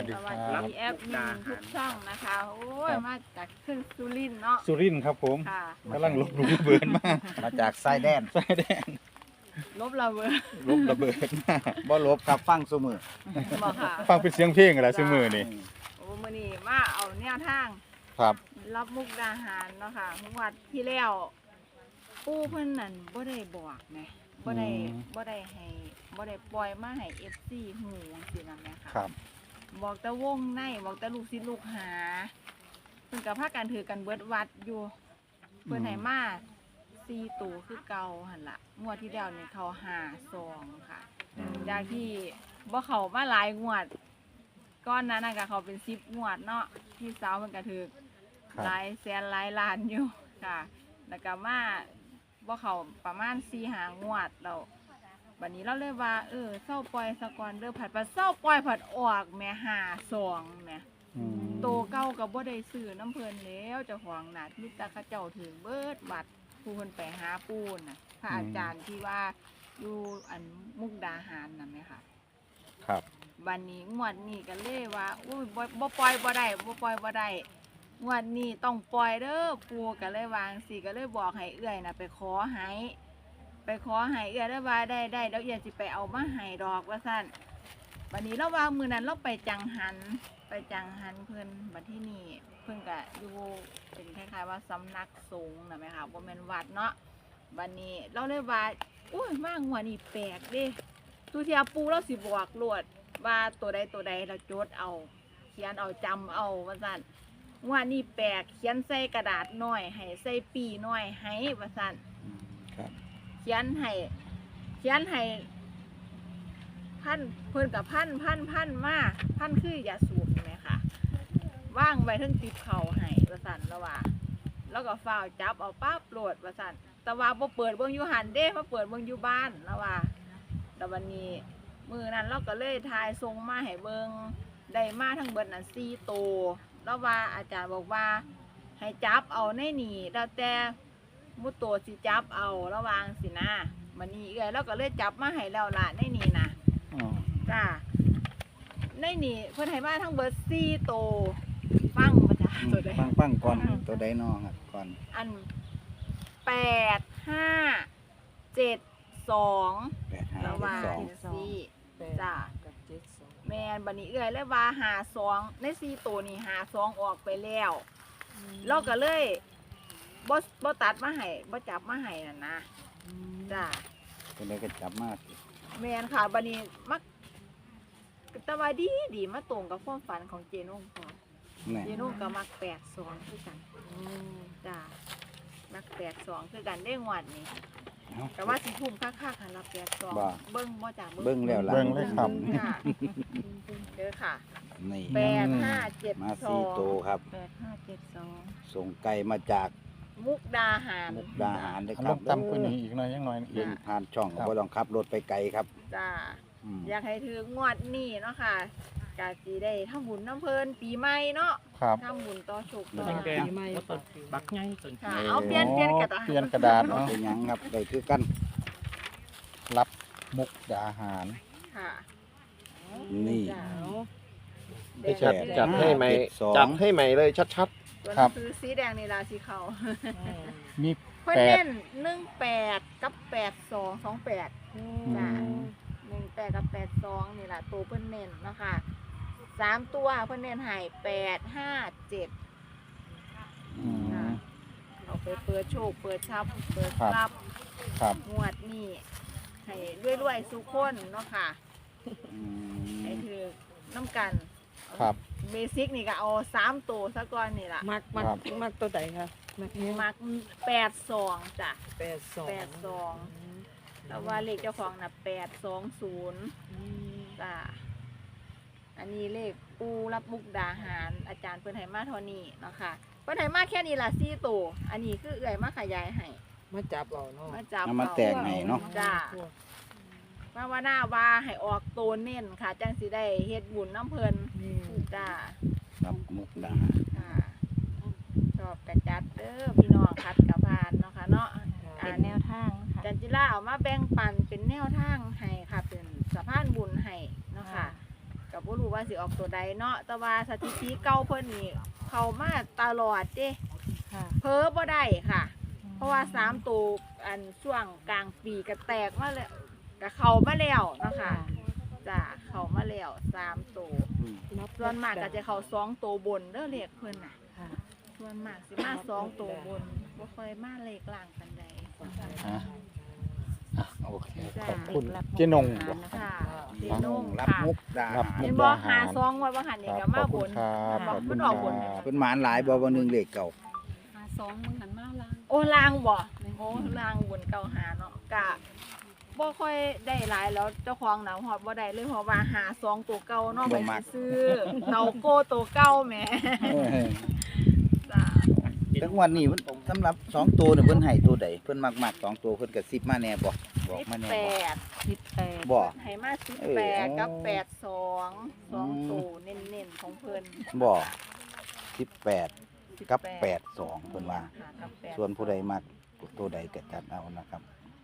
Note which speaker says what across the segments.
Speaker 1: ส
Speaker 2: ส
Speaker 1: วั
Speaker 2: วั
Speaker 1: ส
Speaker 2: ส
Speaker 1: ดี
Speaker 2: ดีแอปมินทุกช่องนะคะ โอ้ย
Speaker 3: ครับ
Speaker 2: มาจากขึ้นสุรินทร์เนาะ
Speaker 3: สุรินทร์ครับผม
Speaker 2: ค่ะ
Speaker 3: กำลังลบลูกระเบิดมา
Speaker 4: มาจากสายแดน
Speaker 3: สายแดน
Speaker 2: ลบระเบิด
Speaker 3: ลบระเบิดมา
Speaker 4: บ่ลบครับฟังซุมือ
Speaker 2: บอกค่ะ
Speaker 3: ฟังเป็นเสียงเพลงอะไรซื้อมือนี่
Speaker 2: โอ้มื้อนี้มาเอาแนวทาง
Speaker 3: ครับ
Speaker 2: รับมุกดาหารเนาะค่ะงวดที่แล้วปู่เพิ่นนั่นบ่ได้บอกแหมบ่ได้บ่ได้ให้บ่ได้ปล่อยมาให้ FC ฮู้จังซี่นะแม่ค่ะ
Speaker 3: ครับ
Speaker 2: บอกแต่วงในบอกแต่ลูกศิษย์ลูกหาเพิ่นก็พากันถือกันเบิดวัดอยู่เพิ่นให้มา4ตัวคือเก่าหั่นล่ะงวดที่แล้วนี่เขา5-2ค่ะจากที่บ่เข้ามาหลายงวดก้อนนั้นน่ะก็เขาเป็น10งวดเนาะพี่สาวเพิ่นก็ถือ
Speaker 3: ครับ
Speaker 2: หลายแสนหลายล้านอยู่ค่ะ แล้วก็มาบ่เข้าประมาณ4-5งวดแล้วบัดนี้เราเลยว่าเศร้าปล่อยสะก่อนเด้อผัดว่าเศร้าปล่อยผัดออกแหม่5-2แหม่
Speaker 3: อืม
Speaker 2: โตเก่าก็บ่ได้ซื้อน้ำเพิ่นแล้วเจ้าของน่ะมีแต่เขาเจ้าถือเบิดบัตรผู้เพิ่นไปหาปูน่ะพระอาจารย์ที่ว่าอยู่อันมุกดาหารนั่นแหมค่ะ
Speaker 3: ครับ
Speaker 2: บัดนี้งวดนี้ก็เลยว่าอุ้ยบ่ปล่อยบ่ได้บ่ปล่อยบ่ได้งวดนี้ต้องปล่อยเด้อปูก็เลยวางสิก็เลยบอกให้เอื้อยน่ะไปขอให้เอื้อยได้ว่าได้แล้วเอื้อยสิไปเอามาให้ดอกว่าซั่นบัดนี้เราว่ามื้อนั้นเราไปจังหันเพิ่นบัดที่นี่เพิ่นก็อยู่เป็นคล้ายๆว่าสำนักสงฆ์น่ะแม่ค่ะบ่แม่นวัดเนาะบัดนี้เราเลยว่าอุ้ยมางวดนี้แปลกเด้ทุกเที่ยปูเราสิบอกโลดว่าตัวใดเราจดเอาเขียนเอาจำเอาว่าซั่นงวดนี้แปลกเขียนใส่กระดาษน้อยให้ใส่ปีน้อยให้ว่าซั่น
Speaker 3: ครับ
Speaker 2: เขียนให้พันเพิ่นกับพันมาพันคืออย่าสูบใช่ไหมคะว่างไว้ทั้งติบเข่าให้ว่าสั่นแล้วว่าแล้วก็ฝ้าวจับเอาปั๊บโหลดว่าสั่นแต่ว่าบ่เปิดเบิ่งอยู่หันเด้มาเปิดเบิ่งอยู่บ้านแล้วว่าแต่วันนี้มือนั้นเราก็เลยทายทรงมาให้เบิ่งได้มาทั้งเบิดนั่น4ตัวแล้วว่าอาจารย์บอกว่าให้จับเอาในนี่แล้วแต่มุตโตวสิจับเอาระวางสินะมันนี่เอ้อยแล้วก็เลยจับมาให้แล้วล่ะในนี่นะ
Speaker 3: อ๋อ
Speaker 2: จ้าในนี่เพิ่นให้มาทั้งเบิด4ตัวฟังบ่จ้าตัวใด
Speaker 4: ฟังก่อนตัวใดน้องครับก่อน
Speaker 2: อัน8-5-7-2ระวาง
Speaker 4: 8-5-7-2
Speaker 2: สิจ้า
Speaker 1: กับเจ็ดสอง
Speaker 2: แม่นบัดนี้เอ้อยเลยว่า52ใน4ตัวนี่52ออกไปแล้วเราก็เลยบ่ตัดมาให้บ่จับมาให้นั่นนะจ้า
Speaker 4: ตัวใดก็จับมา
Speaker 2: แม่นค่ะบัดนี้มักแต่ว่าดีมาตรงกับความฝันของเจนุ่งพอ
Speaker 4: แน่
Speaker 2: เจนุ่งก็มัก82คือกันจ้ามัก82คือกันได้งวดนี้
Speaker 4: เอา
Speaker 2: แต่ว่าสิทุ่มค่าๆค่ะรับ82
Speaker 4: บ่
Speaker 2: เบิ่งบ่จ้า
Speaker 4: เบิ่งแล้วล่ะ
Speaker 3: เบิ่งเลยครับ
Speaker 2: ค่ะเด้อค่ะ
Speaker 4: นี่
Speaker 2: 8572
Speaker 4: มา4ตัวครับ
Speaker 2: 8572
Speaker 4: ส่งไก่มาจาก
Speaker 2: มุกดาหาร
Speaker 4: มุกดาหารเด้อ
Speaker 3: เอา
Speaker 4: ค
Speaker 3: ล
Speaker 4: รับ
Speaker 3: งต่ำกว่านี้อีกหน่อยยังหน่อย
Speaker 4: เดินผ่านช่องก็บ่ต้องขับรถไปไกลครับ
Speaker 2: จ้า
Speaker 4: อืม
Speaker 2: อยากให้ถืองวดนี้เนาะค่ะกะสิได้ทำบุญน้ำเพลินปีใหม่เนาะ
Speaker 3: ครับ
Speaker 2: ทำบุญต่อโชคต่อ
Speaker 4: แดง
Speaker 1: ปีใหม่ต้นบักไงต้น
Speaker 2: ค่ะเอาเปลี่ยนกระดาษ
Speaker 3: เปลี่ยนกระดาษ
Speaker 4: บ่
Speaker 3: เนาะ
Speaker 4: เป็นหยังครับได้คือกัน
Speaker 3: รับมุกดาหาร
Speaker 2: ค่ะ
Speaker 4: นี่
Speaker 2: จ้า
Speaker 1: ไปจัด
Speaker 2: แดง
Speaker 1: จัดให้ใหม่
Speaker 4: 7-2
Speaker 1: จัดให้ใหม่เลยชัด
Speaker 2: ตัวหนังสือสีแดงนี่ราสีเขา
Speaker 3: มี
Speaker 2: เพิ่น
Speaker 3: แป
Speaker 2: เน้
Speaker 3: ด
Speaker 2: น18กับ8228จ้า18กับ82นี่ล่ะตัวเพิ่นเน้นเนาะค่ะ3ตัวเพิ่นเน้นให้857
Speaker 3: อืม
Speaker 2: เอาไปเปิดโชคเปิดทรัพย์เปิด
Speaker 3: ครับ
Speaker 2: ทรัพย์
Speaker 3: ครับ
Speaker 2: งวดนี้ให้รวยๆสุขคนเนาะค่ะ
Speaker 4: อื
Speaker 2: ให้
Speaker 4: ม
Speaker 2: ถือน้ำกัน
Speaker 3: ครับ
Speaker 2: เบสิกนี่ก็เอา3ตัวซะก่อนนี่ล่ะ
Speaker 1: มัก
Speaker 3: ครับ
Speaker 1: มักตัวไหนคะมักเนี้ย
Speaker 2: มัก82จ้ะ 82แต่ว่าเลขเจ้าของน่ะ820จ้ะอันนี้เลขปูรับมุกดาหาร อาจารย์เพิ่นให้มาเท่านี้เนาะค่ะเพิ่นให้มาแค่นี้ล่ะ4ตัวอันนี้คือเอื้อยมาขยายให้
Speaker 1: มาจับเอาเนาะ
Speaker 2: มาจับ
Speaker 4: เอามาแตกให้เนาะ
Speaker 2: จ้ะว่าหน้าว่าให้ออกตัวเน้นค่ะ จังสิได้เฮ็ดบุญน้ำเพิ่นจ้า
Speaker 4: รับมุกดาหาร
Speaker 2: ค่ะชอบกระจัดเด้อพี่น้องคัดกระพานเนาะค่ะเนาะ
Speaker 5: เป็นแนวทางค่ะ
Speaker 2: จันจิราเอามาแบ่งปันเป็นแนวทางให้ค่ะ เป็นสะพานบุญให้เนาะค่ะก็บ่รู้ว่าสิออกตัวใดเนาะแต่ว่าสถิติเก่าเพิ่นนี่เข้ามาตลอดเด้
Speaker 5: ค่ะ
Speaker 2: เพ้อบ่ได้ค่ะ เพราะว่า3ตัวอันช่วงกลางปีก็แตกมาแล้วก็เข้ามาแล้วเนาะค่ะจ้ะเข้ามาแล้ว3ตัว
Speaker 4: อืม
Speaker 2: ส่วนมากก็จะเข้า2ตัวบนเด้อเลขเพิ่นน่ะ
Speaker 5: ค่ะ
Speaker 2: ส่วนมากสิมา2ตัวบนบ่ค่อยมาเลขล่างปานใด
Speaker 3: อ่ะโอเค
Speaker 2: จ้ะ
Speaker 3: ขอบคุณเจ๊นงบ่
Speaker 2: ค่ะเจนง
Speaker 4: รับ
Speaker 2: ค่ะ
Speaker 4: มุกดา
Speaker 3: รับ
Speaker 4: หาร
Speaker 2: เห็นบ่หาซองไว้บ่หันนี่ก็
Speaker 3: ข
Speaker 2: มา
Speaker 3: อบบ คุ
Speaker 2: น
Speaker 3: ณครับขอบคุณ
Speaker 2: มัน
Speaker 3: ค
Speaker 2: อ
Speaker 3: รั
Speaker 2: อกบน
Speaker 3: บ
Speaker 4: เพิ่นหมานหลายบ่วันหนึงเลขเก่า
Speaker 5: 2มึงหันมาล่าง
Speaker 2: โอ้ลางบ่โอ้ลางบนเก่าหาเนาะกะบ่ค่อยได้หลายแล้วเจ้าของหนาวฮอดบ่ได้เลยเพราะว่าหาซองตัวเก่าเนาะไปซื้อเตาโก้ตัวเก่าแหม
Speaker 4: เออ
Speaker 2: จ้า
Speaker 4: ทั้งวันนี้มันสำหรับ2ตัวเนี่ยเพิ่นให้ตัวใดเพิ่นมักๆ2ตัวเพิ่นก็10มาแน่บ่บอกมาแน่บ่
Speaker 2: 18
Speaker 5: 18
Speaker 4: บ่
Speaker 2: ให้มา
Speaker 4: เออ
Speaker 2: 18กับ82 2ตัวเน้นๆของเพิ่น
Speaker 4: บ่18กับ82เพิ่นว่า
Speaker 2: ค่ะกับ8
Speaker 4: ส่วนผู้ใดมักตัวใดก็จัดเอานะครับ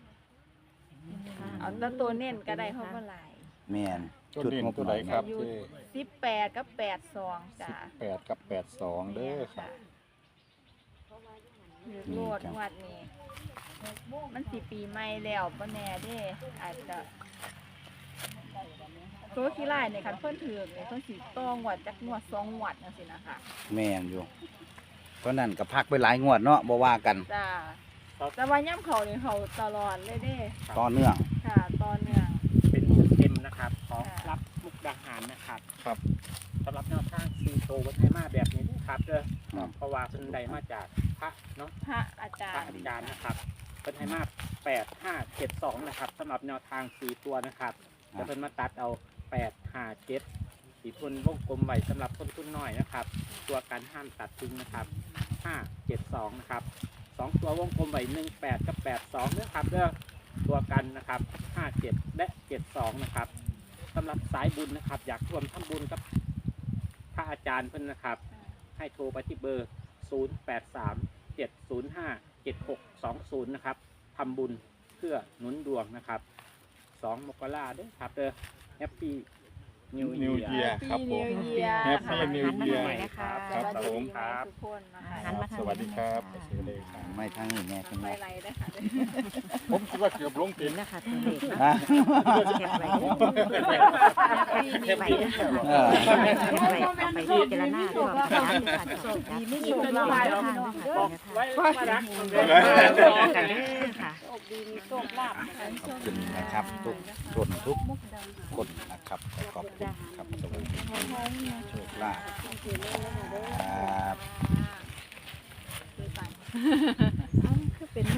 Speaker 2: เอาแต่ตัวเน้นก็ได้เพราะว่าหลาย
Speaker 4: แม่น
Speaker 3: ตัวนี้ตัวใดครับเจ๊
Speaker 2: 18กับ82จ้า
Speaker 3: 18กับ82เด้อครับ
Speaker 2: โลดงวดนี้มันสิปีใหม่แล้วบ่แน่เด้อาจจะตัวขี้ลายเนี่ยคันเพิ่นถือกเนี่ยเพิ่นสิต้องงวดจักงวด2งวดจังซี่นะคะ
Speaker 4: แม่นอยู่เพราะนั้นก็พักไปหลายงวดเนาะบ่ว่ากัน
Speaker 2: จ้าแต่ว่าย่ำเขานี่เขาตลอดเลยเด้
Speaker 4: ต่อเนื่อง
Speaker 2: ค่ะต่อเนื่อง
Speaker 6: เป็นเต็มนะครับของ
Speaker 2: ค่ะ
Speaker 6: รับมุกดาหารนะครับ
Speaker 3: ครับ
Speaker 6: สำหรับแนวทางซีโตวัฒนมาแบบนี้นะครับเด้อ
Speaker 4: ครับ
Speaker 6: เพราะว่าเป็นใดมาจากพระเนาะ
Speaker 2: พระอาจา
Speaker 6: พระ
Speaker 2: รย์
Speaker 6: อาจารย์นะครับเป็นไทมา8572นะครับสำหรับแนวทาง4ตัวนะครับจะเป็นมาตัดเอา857สีทุนวงกลมไว้สำหรับคนทุนน้อยนะครับ ตัวการห้ามตัดทิ้งนะครับ572นะครับ2ตัววงกลมไว้18กับ82นะครับเด้อตัวกันนะครับ57และ72นะครับสำหรับสายบุญนะครับ อยากร่วมทำบุญกับพระอาจารย์เพิ่นนะครับ ให้โทรไปที่เบอร์ 0837057620 นะครับทำบุญเพื่อหนุนดวงนะครับ2 มกราคมด้วยครับเด้อแฮปปี้นิว
Speaker 3: New
Speaker 6: เยีย
Speaker 3: Year
Speaker 6: ร์
Speaker 3: ครับผม
Speaker 2: New Year
Speaker 3: Happy
Speaker 2: ค่ะ
Speaker 3: New Year
Speaker 5: นะคะ
Speaker 3: ครับ
Speaker 2: สวัส
Speaker 3: ผ
Speaker 2: ดี
Speaker 3: ม
Speaker 2: ปีใหม่ทุกคนนะคะ
Speaker 5: หันมาทาง
Speaker 3: สวัสดีครับ
Speaker 5: นี้
Speaker 3: สวัสดีครับ
Speaker 4: ไม่ทั้งนี้แม่ทั้ง
Speaker 2: ไป
Speaker 4: นี้
Speaker 2: ไรได้ค่ะ
Speaker 3: ผมคิดว่าเกือบลงติด
Speaker 5: นะคะตัวเลขนะ
Speaker 4: ฮะ
Speaker 5: เก็บไว้
Speaker 2: เก็บไว้
Speaker 4: เออ
Speaker 5: เก็บไว้เอาไปพิจารณาด้วยความรักด้วยค่ะโชคดีไม่มีคนมาทางด้วยค่ะ
Speaker 6: ไว้มารักคนเดียว
Speaker 5: กันเด้อค่ะ
Speaker 2: โชคดีมีโชคลาภนะคะ
Speaker 4: ขอบคุณนะครับทุกคนทุกคนนะครับขอบคุณครับสวัสดีโชคลาภครับ
Speaker 2: คือไป